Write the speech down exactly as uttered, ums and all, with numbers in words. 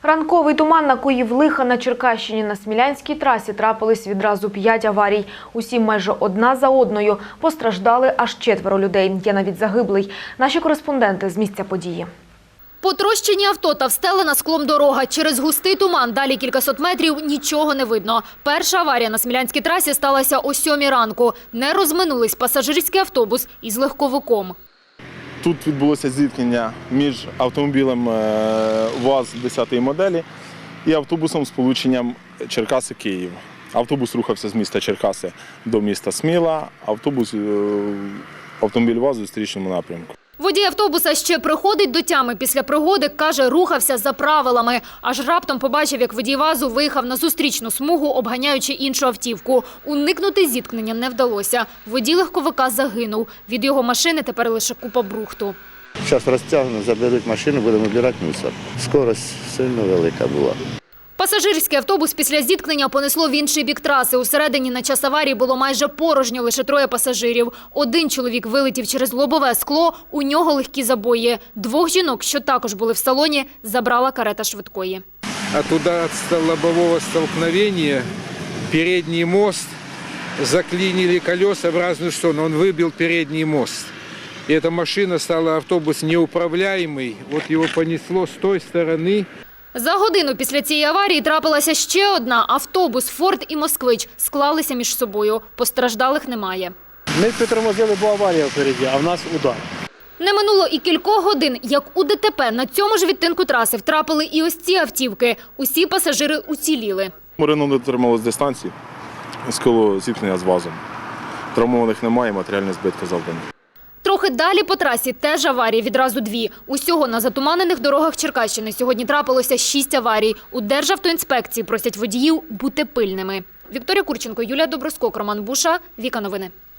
Ранковий туман накоїв лиха на Черкащині. На Смілянській трасі трапились відразу п'ять аварій. Усі майже одна за одною. Постраждали аж четверо людей. Є навіть загиблий. Наші кореспонденти з місця події. Потрощені авто та встелена склом дорога. Через густий туман далі кількасот метрів нічого не видно. Перша аварія на Смілянській трасі сталася о сьомій ранку. Не розминулись пасажирський автобус із легковиком. Тут відбулося зіткнення між автомобілем ВАЗ десятої моделі і автобусом з полученням Черкаси-Київ. Автобус рухався з міста Черкаси до міста Сміла, автобус, автомобіль ВАЗ у зустрічному напрямку. Водій автобуса ще приходить до тями після пригоди, каже, рухався за правилами. Аж раптом побачив, як водій ВАЗу виїхав на зустрічну смугу, обганяючи іншу автівку. Уникнути зіткнення не вдалося. Водій легковика загинув. Від його машини тепер лише купа брухту. Зараз розтягнуть, заберуть машину, будемо збирати мусор. Скорость сильно велика була. Пасажирський автобус після зіткнення понесло в інший бік траси. Усередині на час аварії було майже порожньо, лише троє пасажирів. Один чоловік вилетів через лобове скло, у нього легкі забої. Двох жінок, що також були в салоні, забрала карета швидкої. От удара лобового столкновения передний мост заклинили колеса в разную сторону. Он выбил передний мост. И эта машина стала, автобус неуправляемый. Вот его понесло с той стороны. За годину після цієї аварії трапилася ще одна. Автобус «Форд» і «Москвич» склалися між собою. Постраждалих немає. Ми притормозили, бо аварія впереді, а в нас удар. Не минуло і кількох годин, як у ДТП на цьому ж відтинку траси втрапили і ось ці автівки. Усі пасажири уціліли. Рено не дотрималось дистанції з коло зіткнення з ВАЗом. Травмованих немає, матеріальні збитки завдані. Трохи далі по трасі теж аварії, відразу дві. Усього на затуманених дорогах Черкащини сьогодні трапилося шість аварій. У Державтоінспекції просять водіїв бути пильними. Вікторія Курченко, Юлія Доброскок, Роман Буша, Віка Новини.